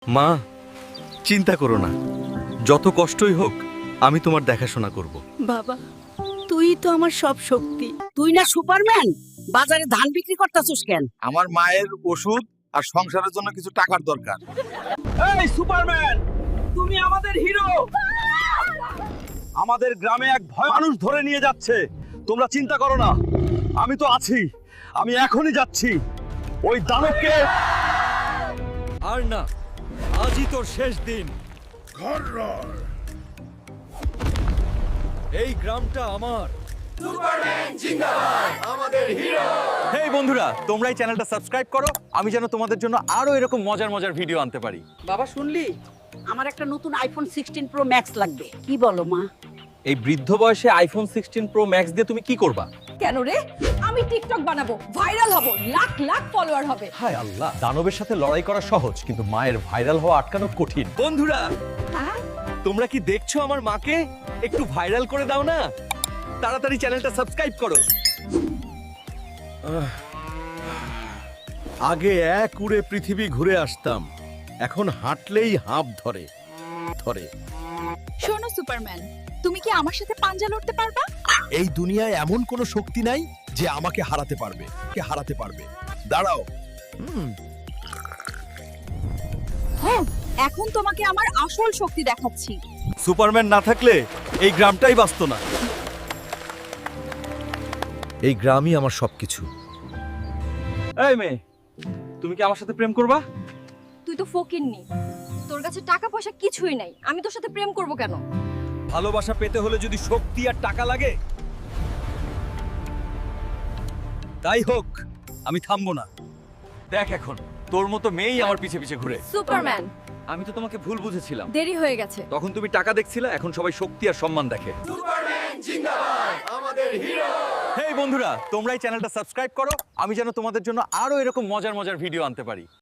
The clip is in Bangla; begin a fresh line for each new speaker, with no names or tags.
মা, চিন্তা করো না, যত কষ্টই হোক আমি তোমার দেখাশোনা করব।
বাবা, তুই তো আমার সব শক্তি।
তুই না সুপারম্যান, বাজারে ধান বিক্রি করতাছিস কেন?
আমার মায়ের ওষুধ আর সংসারের জন্য কিছু টাকার দরকার।
এই সুপারম্যান, তুমি আমাদের হিরো। আমাদের গ্রামে এক ভয় মানুষ ধরে নিয়ে যাচ্ছে। তোমরা চিন্তা করো না, আমি তো আছি। আমি এখনই যাচ্ছি ওই দানবকে।
আর না, আজই তোর শেষ দিন। এই গ্রামটা আমার। হেই বন্ধুরা, তোমরা এই চ্যানেলটা সাবস্ক্রাইব করো, আমি যেন তোমাদের জন্য আরো এরকম মজার মজার ভিডিও আনতে পারি।
বাবা শুনলি, আমার একটা নতুন আইফোন 16 প্রো ম্যাক্স লাগবে। কি বলো মা?
এই বৃদ্ধ বয়সে আইফোন 16 প্রো ম্যাক্স দিয়ে তুমি কি করবা?
কেন রে? আমি টিকটক বানাবো, ভাইরাল হব, লাখ লাখ ফলোয়ার হবে।
হায় আল্লাহ, দানবের সাথে লড়াই করা সহজ, কিন্তু মায়ের ভাইরাল হওয়া আটকানো কঠিন। বন্ধুরা,
হ্যাঁ,
তোমরা কি দেখছো আমার মাকে? একটু ভাইরাল করে দাও না, তাড়াতাড়ি চ্যানেলটা সাবস্ক্রাইব করো। আগে এক উড়ে পৃথিবী ঘুরে আসতাম, এখন হাঁটলেই হাঁপ ধরে ধরে।
শোনো সুপারম্যান, তুমি কি আমার সাথে পাঞ্জা লড়তে পারবা?
এই দুনিয়ায় এমন কোনো শক্তি নাই যে আমাকে হারাতে পারবে। দাঁড়াও।
হ্যাঁ, এখন তোমাকে আমার আসল শক্তি দেখাচ্ছি।
সুপারম্যান না থাকলে এই গ্রামটাই বাঁচত না। এই গ্রামই আমার সবকিছু। এই মেয়ে, তুমি কি আমার সাথে প্রেম করবা?
তুই তো ফকিন্নি, তোর কাছে টাকা পয়সা কিছুই নাই, আমি তোর সাথে প্রেম করব কেন?
ভালোবাসা পেতে হলে যদি শক্তি আর টাকা লাগে, তাই হোক, আমি থামবো না। দেখ, এখন তোর মতো মেয়েই আমার পিছে পিছে ঘুরে।
সুপারম্যান,
আমি তো তোমাকে ভুল বুঝেছিলাম।
দেরি হয়ে গেছে।
তখন তুমি টাকা দেখছিলে, এখন সবাই শক্তি আর সম্মান দেখে। হেই বন্ধুরা, তোমরা এই চ্যানেলটা সাবস্ক্রাইব করো, আমি যেন তোমাদের জন্য আরো এরকম মজার মজার ভিডিও আনতে পারি।